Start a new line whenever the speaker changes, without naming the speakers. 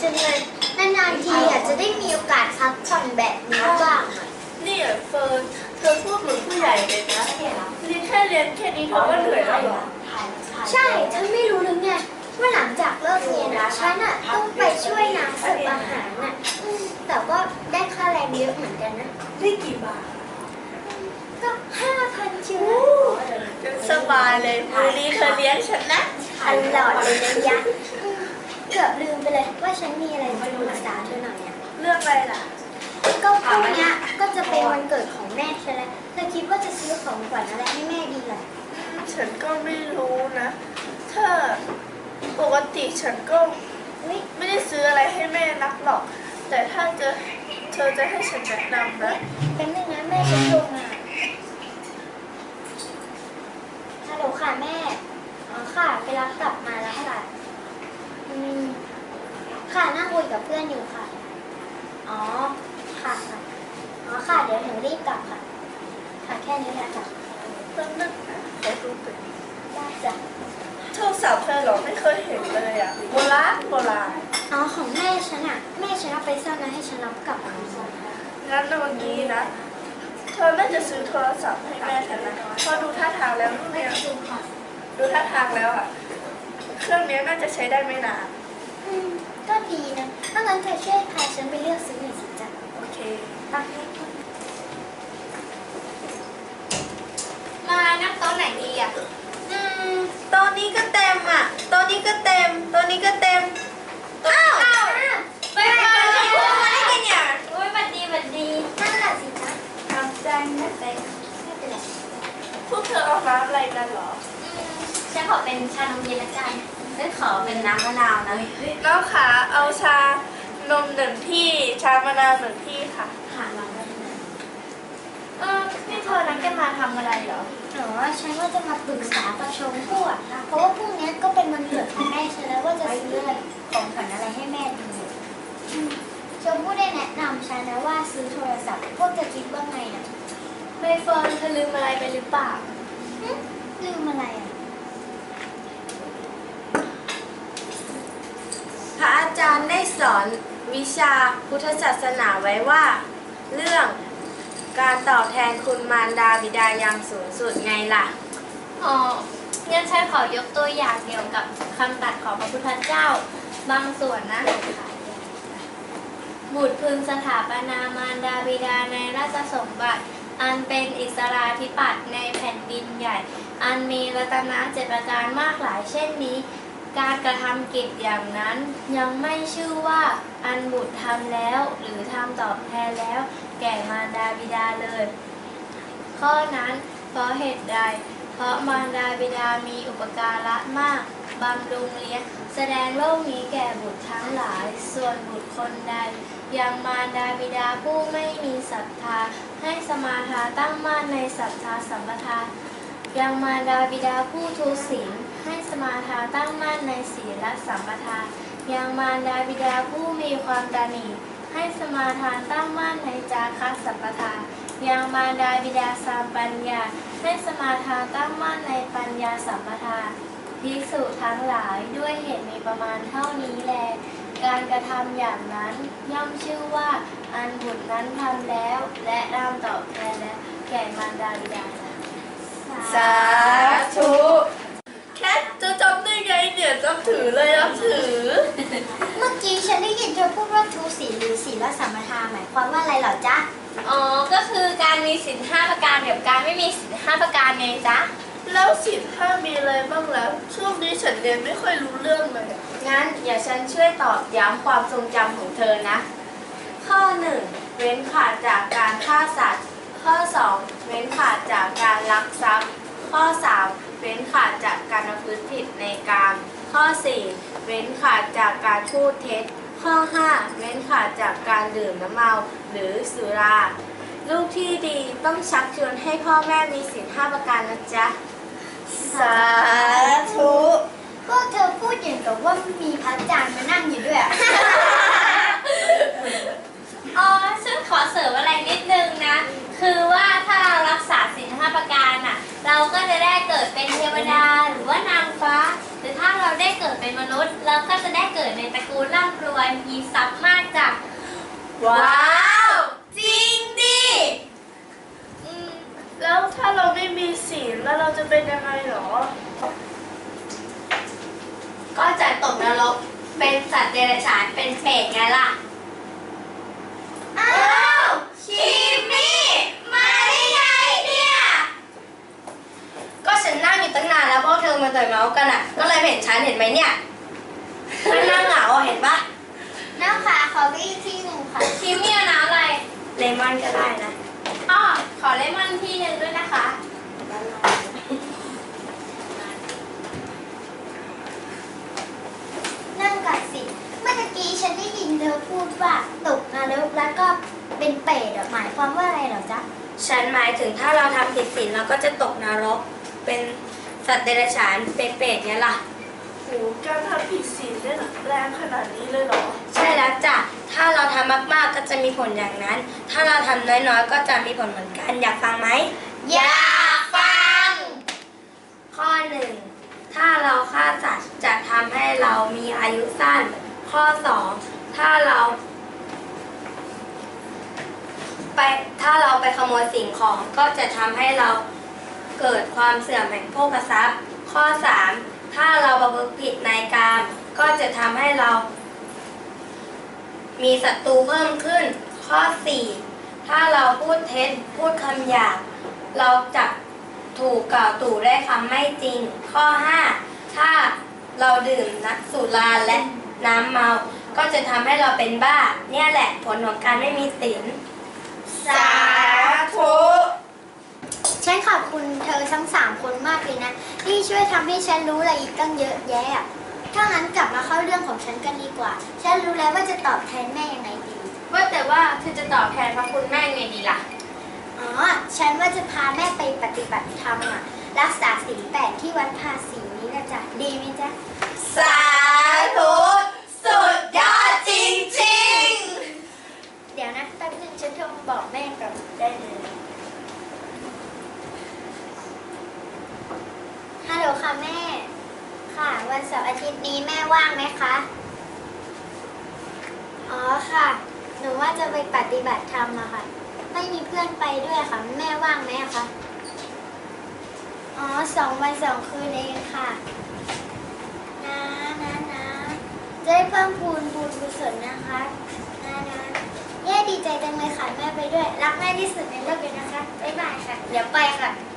จังเลยนานๆทีอาจจะได้มีโอกาสพักผ่อนแบบนี้บ้าง
นี่เฟิร์นเธอพูดเหมือนผู้ใหญ่เลยนะเรียนแค่นี้เธอก็เหนื่อยแล้วเหรอ
ใช่เธอไม่รู้หรือไงว่าหลังจากเลิกเรียนฉันต้องไปช่วยนางเสิร์ฟอาหารแต่ก็ได้ค่าแรงเยอะเหมือนกันนะ
ได้กี่บาท
ก็5,000ชิว
สบายเลยวันนี้เธอเลี้ยงฉันนะ
ตลอดเลยนะยะเกือบลืมไปเลยว่าฉันมีอะไรจะปรึกษาเธอหน่อย
เรื่องอะไรล่ะ
ก็พรุ่งนี้ก็จะเป็นวันเกิดของแม่ใช่ไหมเธอคิดว่าจะซื้อของขวัญอะไรให้แม่ดีล่ะ
ฉันก็ไม่รู้นะถ้าปกติฉันก็ไม่ได้ซื้ออะไรให้แม่นักหรอกแต่ถ้าเธอจะให้ฉันแนะนำนะ
เป็นยังไงแม่จะโทรมาฮัลโหลค่ะแม่อ๋อค่ะไปรับกลับมาแล้วค่ะค่ะนั่งคุยกับเพื่อนอยู่ค่ะอ๋อค่ะอ๋อค่ะเดี๋ยวหนูรีบกลับค่ะค่ะแค่นี้แหละค่ะ
ต้องนึกนะขอดูไป
ได้จ้ะ
โทรศัพท์เธอหรอไม่เคยเห็นเลยอ่ะโบราณ
อ๋อของแม่ฉันแม่ฉันเอาไปซ่อนแล้วให้ฉันรับกลับมา
งั้นเมื่อกี้นะเธอน่าจะซื้อโทรศัพท์ให้แม่ฉันนะพอดูท่าทางแล้วเนี่ยดูท่าทางแล้วอ่ะเครื่องนี้น่าจะใช้ได้ไม่นาน
ก็ดีนะถ้างั้นเธอช่วยพาฉันไปเลือกซื้อหน่อยสิจ๊ะ
โอเค
มานั่งโต๊ะไหนดีอ่ะ
โต๊ะนี้ก็เต็มอ่ะโต๊ะนี้ก็เต็มโต๊ะนี้ก็เต็ม
อ้าว
ไปอะไรกันเนี่ย
โอ้ยบัดดีนั่นแหละสิจ๊ะ
ทำใจนะเต็ม
ไม่เป็นไร
พวกเธอเอาน้ำอะไรกันหรอ
ฉันขอเป็นชานมเย็นละกัน
ฉันขอเป็นน้ำมะนาวนะ
น้องขาเอาชานม1 ที่ชามะนาว1 ที่ค่ะ
เราได้
นี่เธอนัดกันมาทำอะไรเหรอ
ฉันว่าจะมาปรึกษากับชมพู่เพราะว่าพรุ่งนี้ก็เป็นวันเกิดของแม่ฉันแล้วว่าจะซื้อของขวัญอะไรให้แม่ดีชมพู่ได้แนะนำฉันนะว่าซื้อโทรศัพท์พวกจะคิดว่าไงนะ
ใบเฟิร์นเธอลืมอะไรไปหรือเปล่า
ลืมอะไร
พระอาจารย์ได้สอนวิชาพุทธศาสนาไว้ว่าเรื่องการตอบแทนคุณมารดาบิดาอย่างสูงสุดไงล่ะ
งั้นฉันขอยกตัวอย่างเกี่ยวกับคำตรัสของพระพุทธเจ้าบางส่วนนะบุตรพึงสถาปนามารดาบิดาในราชสมบัติอันเป็นอิสราธิปัตย์ในแผ่นดินใหญ่อันมีรัตนะ7 ประการมากหลายเช่นนี้การกระทำกิจอย่างนั้นยังไม่ชื่อว่าอันบุตรทำแล้วหรือทำตอบแทนแล้วแก่มารดาบิดาเลยข้อนั้นเพราะเหตุใดเพราะมารดาบิดามีอุปการะมากบำรุงเลี้ยงแสดงโลกนี้แก่บุตรทั้งหลายส่วนบุตรคนใดยังมารดาบิดาผู้ไม่มีศรัทธาให้สมาทานตั้งมั่นในศรัทธาสัมปทายังมารดาบิดาผู้ทุศีลให้สมาทานตั้งมั่นในศีลสัมปทายังมารดาบิดาผู้มีความตณีให้สมาทานตั้งมั่นในจาคะสัมปทายังมารดาบิดาสามปัญญาให้สมาทานตั้งมั่นในปัญญาสัมปทาภิกษุทั้งหลายด้วยเหตุมีประมาณเท่านี้แลการกระทำอย่างนั้นย่อมชื่อว่าอันบุตรนั้นทำแล้วและรำตอบแทนแล้วแก่มารดาบิดา
สาธุ
แค่จะจำได้ไงเนี่ยจำถือเลยจำถือ
เมื่อกี้ฉันได้ยินเธอพูดว่าทุศีลหรือศีลสัมปทาหมายความว่าอะไรเหรอจ๊ะ
ก็คือการมีศีล5 ประการกับการไม่มีศีล5 ประการไงจ๊ะ
แล้วศีล5มีอะไรบ้างแล้วช่วงนี้ฉันเรียนไม่ค่อยรู้เรื่องเลย
งั้นอย่าฉันช่วยตอบย้ำความทรงจำของเธอนะข้อ1เว้นขาดจากการฆ่าสัตว์ข้อ2เว้นขาดจากการลักทรัพย์ข้อ3เว้นขาดจากการประพฤติผิดในกามข้อ4เว้นขาดจากการพูดเท็จข้อ5เว้นขาดจากการดื่มน้ำเมาหรือสุราลูกที่ดีต้องชักชวนให้พ่อแม่มีศีล5 ประการนะจ๊ะ
สาธุ
ก็เธอพูดอย่างกับว่ามีพระอาจารย์มานั่งอยู่ด้วย
ฉันขอเสริมอะไรนิดนึงนะคือว่าถ้าเรารักษาศีล5 ประการเราก็จะได้เกิดเป็นเทวดาหรือว่านางฟ้าหรือถ้าเราได้เกิดเป็นมนุษย์เราก็จะได้เกิดในตระกูลร่ำำรวยมีทรัพย์มากจ้ะ
ว้าว จริงดิ
แล้วถ้าเราไม่มีศีลแล้วเราจะเป็นยังไงหรอ
ก็จะตกนรกเป็นสัตว์เดรัจฉานเป็นเปรตไงล่ะ
อ้าวคิมมี่มาได้ไงเนี่ย ก็ฉันนั่งอยู่ตั้งนานแล้วพวกเธอมาแต่เมากันอ่ะ ก็เลยเห็นฉันเห็นไหมเนี่ยฉันนั่งเหงาอะเห็นปะ
น้ำค่ะขอไปอีกที่หนึ่งค่ะ
คิมมี่เอาน้ำอะไร
เลมอนก็ได้นะ
อ้อขอเลมอนที่หนึ่งด้วยนะคะ
นั่งกัดสิเมื่อกี้ฉันได้ยินเธอพูดว่าตกนรกแล้วก็เป็นเปรตอะหมายความว่าอะไรเหรอจ๊ะ
ฉันหมายถึงถ้าเราทำผิดศีลเราก็จะตกนรก เป็นสัตว์เดรัจฉานเป็นเปรตเนี่ยล่ะ
โหการทำผิดศีลได้แรงขนาดนี้เลยเหรอ
ใช่แล้วจ้ะ ถ้าเราทำมากๆก็จะมีผลอย่างนั้น ถ้าเราทำน้อยๆ ก็จะมีผลเหมือนกัน อยากฟังไหม
อยากฟัง
ข้อ 1 ถ้าเราฆ่าสัตว์จะทำให้เรามีอายุสั้น ข้อ 2 ถ้าเราไปขโมยสิ่งของก็จะทำให้เราเกิดความเสื่อมแห่งโภคทรัพย์ ข้อ 3 ถ้าเราประพฤติผิดในกามก็จะทำให้เรามีศัตรูเพิ่มขึ้น ข้อ 4 ถ้าเราพูดเท็จพูดคำหยาบเราจะถูกกล่าวตู่ได้คำไม่จริง ข้อ 5 ถ้าเราดื่มสุราและน้ำเมา ก็จะทำให้เราเป็นบ้า เนี่ยแหละผลของการไม่มีศีล
สาธุ ฉันขอบคุณเธอทั้ง3 คนมากเลยนะ ที่ช่วยทำให้ฉันรู้อะไรอีกตั้งเยอะแยะอะถ้างั้นกลับมาเข้าเรื่องของฉันกันดีกว่า ฉันรู้แล้วว่าจะตอบแทนแม่ยังไงดี
ว่าแต่ว่าเธอจะตอบแทนพระคุณแม่ไงดีล่ะ
อ๋อ ฉันว่าจะพาแม่ไปปฏิบัติธรรมอะรักษาศีล8ที่วัดภาษีนี้นะจ๊ะ ดีไหมจ๊ะ
สาธุสุดยอดจริง
เดี๋ยวนะแป๊บนึงฉันโทรมาบอกแม่ก่อนได้เลยฮัลโหลค่ะแม่ ค่ะ วันเสาร์อาทิตย์นี้แม่ว่างไหมคะ อ๋อค่ะ หนูว่าจะไปปฏิบัติธรรมอะค่ะ ไม่มีเพื่อนไปด้วยค่ะ แม่ว่างไหมอะคะ อ๋อ2 วัน 2 คืนเองค่ะ นะจะได้เพิ่มพูนบุญกุศลนะคะนะแย่ดีใจจังเลยค่ะแม่ไปด้วย รักแม่ที่สุดในโลกเลยนะคะ บ๊ายบายค่ะ เดี๋ยวไปค่ะ